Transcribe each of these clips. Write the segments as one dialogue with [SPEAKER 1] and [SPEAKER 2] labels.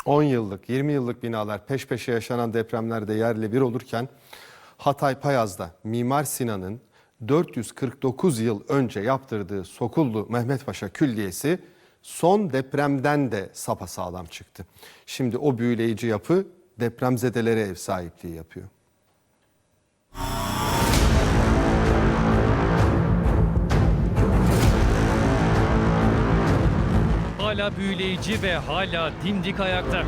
[SPEAKER 1] 10 yıllık, 20 yıllık binalar peş peşe yaşanan depremlerde yerle bir olurken Hatay Payaz'da Mimar Sinan'ın 449 yıl önce yaptırdığı Sokullu Mehmet Paşa Külliyesi son depremden de sapasağlam çıktı. Şimdi o büyüleyici yapı depremzedelere ev sahipliği yapıyor.
[SPEAKER 2] Hala büyüleyici ve hala dimdik ayakta.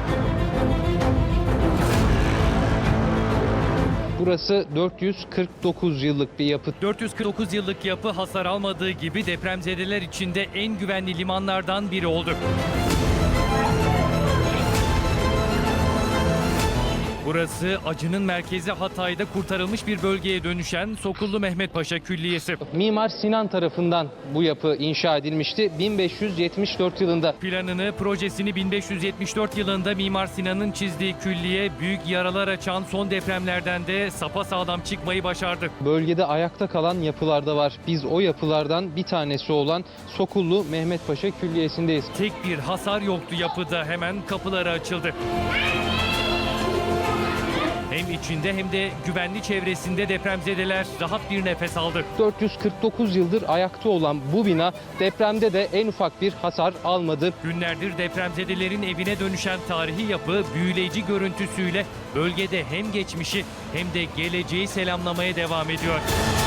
[SPEAKER 3] Burası 449 yıllık bir yapı.
[SPEAKER 2] 449 yıllık yapı hasar almadığı gibi depremzedeler için de en güvenli limanlardan biri oldu. Burası acının merkezi Hatay'da kurtarılmış bir bölgeye dönüşen Sokullu Mehmet Paşa Külliyesi.
[SPEAKER 3] Mimar Sinan tarafından bu yapı inşa edilmişti 1574 yılında.
[SPEAKER 2] Planını, projesini 1574 yılında Mimar Sinan'ın çizdiği külliye büyük yaralar açan son depremlerden de sapasağlam çıkmayı başardı.
[SPEAKER 3] Bölgede ayakta kalan yapılar da var. Biz o yapılardan bir tanesi olan Sokullu Mehmet Paşa Külliyesi'ndeyiz.
[SPEAKER 2] Tek bir hasar yoktu yapıda, hemen kapıları açıldı. Hem içinde hem de güvenli çevresinde depremzedeler rahat bir nefes aldı.
[SPEAKER 3] 449 yıldır ayakta olan bu bina depremde de en ufak bir hasar almadı.
[SPEAKER 2] Günlerdir depremzedelerin evine dönüşen tarihi yapı büyüleyici görüntüsüyle bölgede hem geçmişi hem de geleceği selamlamaya devam ediyor.